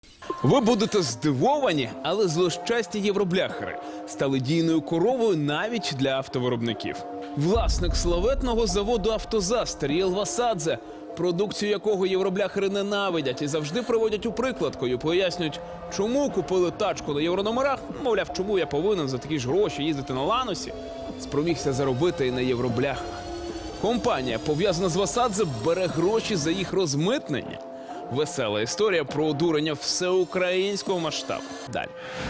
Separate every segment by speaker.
Speaker 1: Ви будете здивовані, але злощасні євробляхери стали дійною коровою навіть для автовиробників. Власник славетного заводу «Автозас» Тарієл Васадзе, продукцію якого євробляхери ненавидять і завжди приводять у прикладку, пояснюють, чому купили тачку на єврономерах, мовляв, чому я повинен за такі ж гроші їздити на Ланосі, спромігся заробити і на євробляхах. Компанія, пов'язана з Васадзе, бере гроші за їх розмитнення. Весела історія про одурення всеукраїнського масштабу. Далі.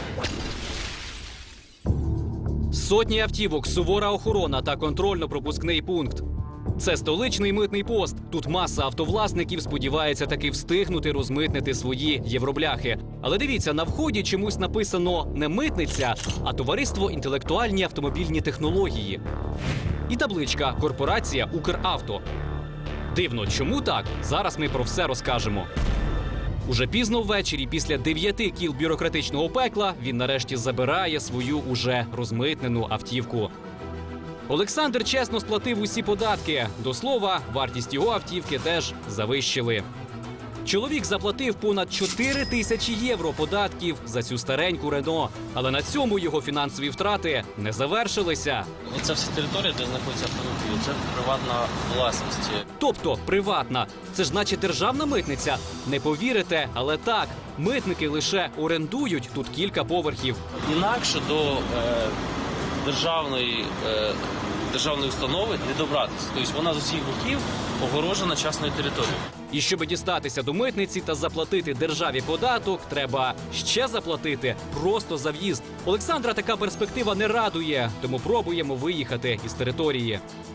Speaker 2: Сотні автівок, сувора охорона та контрольно-пропускний пункт. Це столичний митний пост. Тут маса автовласників сподівається таки встигнути розмитнити свої євробляхи. Але дивіться, на вході чомусь написано не митниця, а товариство інтелектуальні автомобільні технології. І табличка «Корпорація Укравто». Дивно, чому так? Зараз ми про все розкажемо. Уже пізно ввечері, після 9 кіл бюрократичного пекла, він нарешті забирає свою уже розмитнену автівку. Олександр чесно сплатив усі податки. До слова, вартість його автівки теж завищили. Чоловік заплатив понад 4 тисячі євро податків за цю стареньку Рено. Але на цьому його фінансові втрати не завершилися.
Speaker 3: Оце всі території, де знаходяться автомобілі, це приватна власність.
Speaker 2: Тобто приватна. Це ж значить державна митниця. Не повірите, але так. Митники лише орендують тут кілька поверхів.
Speaker 3: Інакше до державної установи не добратися. Тобто вона з усіх боків огорожена частною територією.
Speaker 2: І щоб дістатися до митниці та заплатити державі податок, треба ще заплатити просто за в'їзд. Олександра така перспектива не радує, тому пробуємо виїхати із території.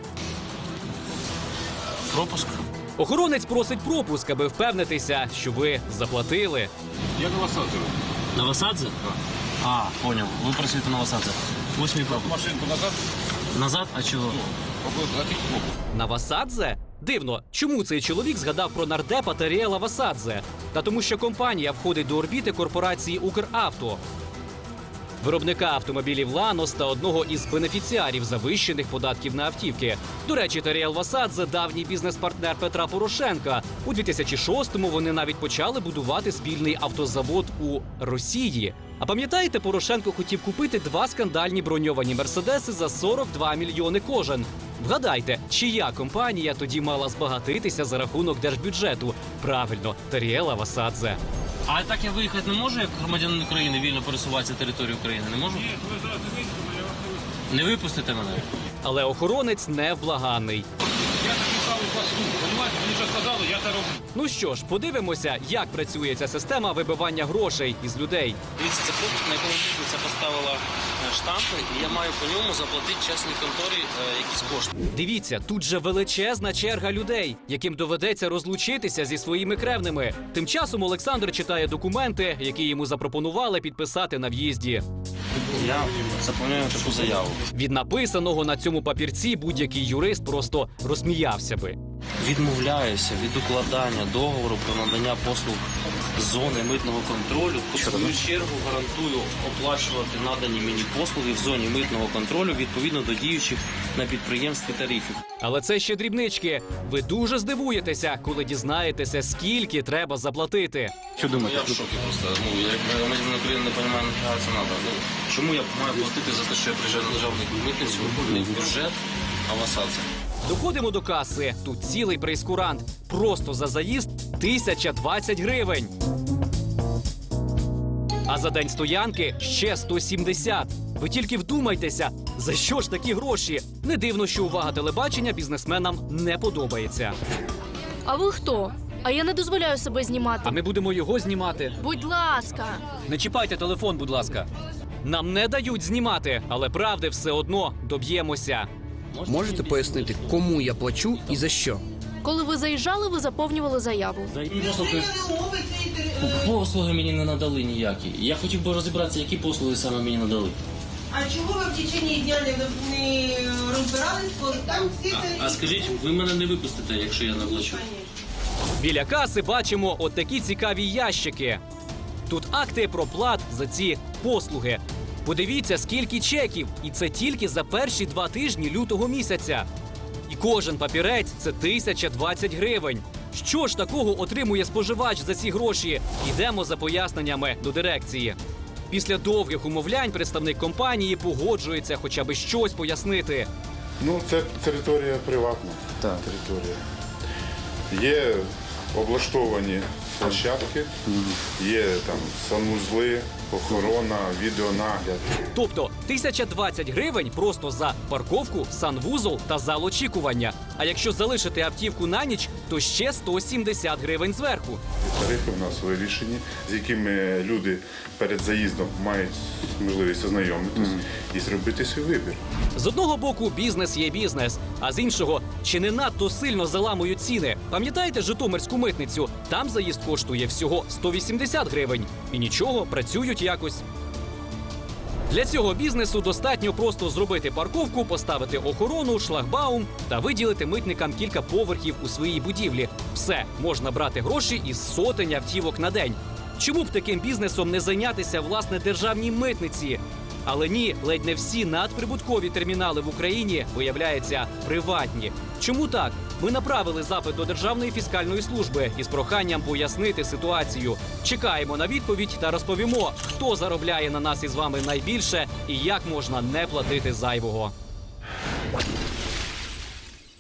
Speaker 3: Пропуск.
Speaker 2: Охоронець просить пропуск, аби впевнитися, що ви заплатили.
Speaker 4: Я на Васадзе.
Speaker 3: На Васадзе?
Speaker 4: Так.
Speaker 3: А, поняв. Ви працюєте на Васадзе. Ось мій пропуск.
Speaker 4: Машинку назад.
Speaker 3: Назад? А чого?
Speaker 2: На Васадзе? Дивно, чому цей чоловік згадав про нардепа Тарієла Васадзе? Та тому, що компанія входить до орбіти корпорації «Укравто». Виробника автомобілів «Ланос» та одного із бенефіціарів завищених податків на автівки. До речі, Тарієл Васадзе – давній бізнес-партнер Петра Порошенка. У 2006-му вони навіть почали будувати спільний автозавод у Росії. А пам'ятаєте, Порошенко хотів купити 2 скандальні броньовані «Мерседеси» за 42 мільйони кожен. Вгадайте, чия компанія тоді мала збагатитися за рахунок держбюджету? Правильно, Тарієла Васадзе.
Speaker 3: А так я виїхати не можу, як громадянин України, вільно пересуватися територією України? Не можу?
Speaker 4: Ні, ви зараз вийдете, я вас не вийду.
Speaker 3: Не випустите мене?
Speaker 2: Але охоронець невблаганний.
Speaker 4: Я такий самий послуг, розумієте? Мені вже сказали, я це роблю.
Speaker 2: Ну що ж, подивимося, як працює ця система вибивання грошей із людей.
Speaker 3: Дивіться, це пропуск, на якому митниця поставила штампи, і я маю по ньому заплатити чесній конторі якісь кошти.
Speaker 2: Дивіться, тут же величезна черга людей, яким доведеться розлучитися зі своїми кревними. Тим часом Олександр читає документи, які йому запропонували підписати на в'їзді.
Speaker 3: Я заповняю таку заяву.
Speaker 2: Від написаного на цьому папірці будь-який юрист просто розсміявся би.
Speaker 3: Відмовляюся від укладання договору про надання послуг з зони митного контролю. В свою чергу гарантую оплачувати надані мені послуги в зоні митного контролю відповідно до діючих на підприємстві тарифів.
Speaker 2: Але це ще дрібнички. Ви дуже здивуєтеся, коли дізнаєтеся, скільки треба заплатити.
Speaker 3: Що думаєте? Я в шокі просто. Як громадянин України не розумію, нафіга це треба. Чому я маю платити за те, що я приїжджаю на державну митницю, не в бюджет, а в Васадзе?
Speaker 2: Доходимо до каси. Тут цілий прейскурант. Просто за заїзд 1020 гривень. А за день стоянки ще 170. Ви тільки вдумайтеся, за що ж такі гроші? Не дивно, що увага телебачення бізнесменам не подобається.
Speaker 5: А ви хто? А я не дозволяю себе знімати.
Speaker 2: А ми будемо його знімати.
Speaker 5: Будь ласка.
Speaker 2: Не чіпайте телефон, будь ласка. Нам не дають знімати, але правди все одно доб'ємося.
Speaker 6: Можете пояснити, кому я плачу і за що?
Speaker 5: Коли ви заїжджали, ви заповнювали заяву.
Speaker 3: Послуги мені не надали ніякі. Я хотів би розібратися, які послуги саме мені надали.
Speaker 7: А чого ви в течение дня не розбирались, коли там всі...
Speaker 3: А скажіть, ви мене не випустите, якщо я не оплачу?
Speaker 2: Біля каси бачимо от такі цікаві ящики. Тут акти про плат за ці послуги. Подивіться, скільки чеків, і це тільки за перші 2 тижні лютого місяця. І кожен папірець – це 1020 гривень. Що ж такого отримує споживач за ці гроші? Йдемо за поясненнями до дирекції. Після довгих умовлянь представник компанії погоджується хоча б щось пояснити.
Speaker 8: Ну, це територія приватна. Так. Територія. Є облаштовані площадки, є там санвузли, охорона, відеонагляд.
Speaker 2: Тобто 1020 гривень просто за парковку, санвузол та зал очікування. А якщо залишити автівку на ніч, то ще 170 гривень зверху.
Speaker 8: Тарифи в нас вирішені, з якими люди перед заїздом мають можливість ознайомитись і зробити свій вибір.
Speaker 2: З одного боку, бізнес є бізнес, а з іншого, чи не надто сильно заламують ціни? Пам'ятаєте Житомирську митницю? Там заїзд коштує всього 180 гривень. І нічого, працюють якось. Для цього бізнесу достатньо просто зробити парковку, поставити охорону, шлагбаум та виділити митникам кілька поверхів у своїй будівлі. Все, можна брати гроші із сотень автівок на день. Чому б таким бізнесом не зайнятися, власне, державній митниці? Але ні, ледь не всі надприбуткові термінали в Україні, виявляється, приватні. Чому так? Ми направили запит до Державної фіскальної служби із проханням пояснити ситуацію. Чекаємо на відповідь та розповімо, хто заробляє на нас із вами найбільше і як можна не платити зайвого.